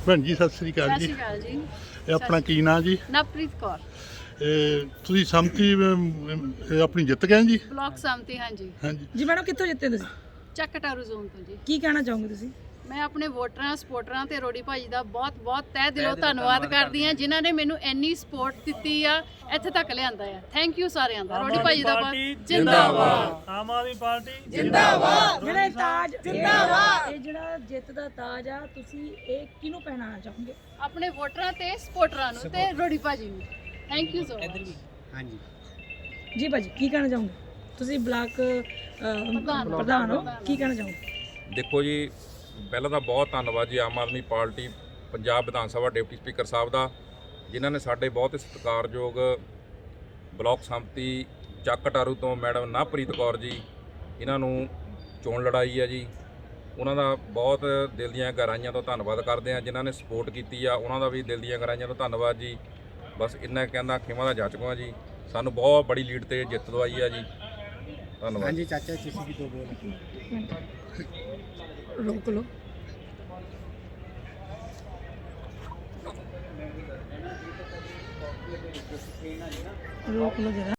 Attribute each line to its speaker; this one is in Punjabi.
Speaker 1: ਭੈਣ ਜੀ ਸਤਿ ਸ੍ਰੀ ਅਕਾਲ ਜੀ।
Speaker 2: ਸਤਿ ਸ਼੍ਰੀ ਅਕਾਲ ਜੀ।
Speaker 1: ਇਹ ਆਪਣਾ ਕੀ ਨਾਂ ਜੀ?
Speaker 2: ਨਵਪ੍ਰੀਤ ਕੌਰ,
Speaker 1: ਤੁਸੀਂ ਸੰਮਤੀ ਆਪਣੀ ਜਿੱਤ ਗਏ ਜੀ?
Speaker 2: ਬਲਾਕ ਸੰਮਤੀ। ਹਾਂਜੀ
Speaker 1: ਹਾਂਜੀ
Speaker 3: ਜੀ ਮੈਡਮ, ਕਿੱਥੋਂ ਜਿੱਤੇ ਤੁਸੀਂ?
Speaker 2: ਚੱਕਟਾਰੂ ਜ਼ੋਨ ਤੋਂ ਜੀ।
Speaker 3: ਕੀ ਕਹਿਣਾ ਚਾਹੋਗੇ ਤੁਸੀਂ?
Speaker 2: ਮੈਂ ਆਪਣੇ ਵੋਟਰਾਂ, ਸਪੋਰਟਰਾਂ ਤੇ ਰੋੜੀ ਭਾਜੀ ਦਾ ਬਹੁਤ ਬਹੁਤ ਤਹਿ ਦਿਲੋਂ ਧੰਨਵਾਦ ਕਰਦੀ ਹਾਂ, ਜਿਨ੍ਹਾਂ ਨੇ ਮੈਨੂੰ ਇੰਨੀ ਸਪੋਰਟ ਦਿੱਤੀ ਆ, ਇੱਥੇ ਤੱਕ ਲਿਆਂਦਾ ਆ। ਥੈਂਕ ਯੂ ਸਾਰਿਆਂ ਦਾ। ਰੋੜੀ ਭਾਜੀ ਦਾ ਬਹੁਤ ਜਿੰਦਾਬਾਦ।
Speaker 4: ਆਮ ਆਦਮੀ ਪਾਰਟੀ
Speaker 3: ਜਿੰਦਾਬਾਦ। ਜਿਹੜਾ ਇਹ ਤਾਜ ਜਿੰਦਾਬਾਦ, ਇਹ ਜਿਹੜਾ ਜਿੱਤ ਦਾ ਤਾਜ ਆ, ਤੁਸੀਂ ਇਹ ਕਿਹਨੂੰ ਪਹਿਨਾਉਣਾ ਚਾਹੋਗੇ?
Speaker 2: ਆਪਣੇ ਵੋਟਰਾਂ ਤੇ ਸਪੋਰਟਰਾਂ ਨੂੰ ਤੇ ਰੋੜੀ ਭਾਜੀ ਨੂੰ। Thank you so much.
Speaker 4: ਹਾਂਜੀ
Speaker 3: ਜੀ ਭਾਜੀ, ਕੀ ਕਹਿਣਾ ਚਾਹੋਗੇ? ਤੁਸੀਂ ਬਲਾਕ ਪ੍ਰਧਾਨ ਹੋ, ਕੀ ਕਹਿਣਾ ਚਾਹੋਗੇ?
Speaker 5: ਦੇਖੋ ਜੀ, ਪਹਿਲਾਂ ਤਾਂ ਬਹੁਤ ਧੰਨਵਾਦ ਜੀ ਆਮ ਆਦਮੀ ਪਾਰਟੀ ਪੰਜਾਬ ਵਿਧਾਨ ਸਭਾ ਡਿਪਟੀ ਸਪੀਕਰ ਸਾਹਿਬ ਦਾ, ਜਿਨ੍ਹਾਂ ਨੇ ਸਾਡੇ ਬਹੁਤ ਹੀ ਸਤਿਕਾਰਯੋਗ ਬਲਾਕ ਸੰਮਤੀ ਚੱਕਟਾਰੂ ਤੋਂ ਮੈਡਮ ਨਵਪ੍ਰੀਤ ਕੌਰ ਜੀ, ਇਹਨਾਂ ਨੂੰ ਚੋਣ ਲੜਾਈ ਹੈ ਜੀ। ਉਹਨਾਂ ਦਾ ਬਹੁਤ ਦਿਲ ਦੀਆਂ ਗਹਿਰਾਈਆਂ ਤੋਂ ਧੰਨਵਾਦ ਕਰਦੇ ਹਾਂ। ਜਿਨ੍ਹਾਂ ਨੇ ਸਪੋਰਟ ਕੀਤੀ ਆ, ਉਹਨਾਂ ਦਾ ਵੀ ਦਿਲ ਦੀਆਂ ਗਹਿਰਾਈਆਂ ਤੋਂ ਧੰਨਵਾਦ ਜੀ। ਬਸ ਇੰਨਾ ਕਹਿੰਦਾ ਖਿਮਾ ਦਾ ਜਾਚਕਾ ਜੀ, ਸਾਨੂੰ ਬਹੁਤ ਬੜੀ ਲੀਡ ਤੇ ਜਿੱਤ ਦਵਾਈ ਆ ਜੀ। ਧੰਨਵਾਦ।
Speaker 4: ਹਾਂਜੀ ਚਾਚਾ, ਤੁਸੀਂ ਵੀ ਦੋ ਬੋਲ।
Speaker 3: ਰੋਕ ਲਓ। ਰੋਕ ਲਓ ਜਰਾ।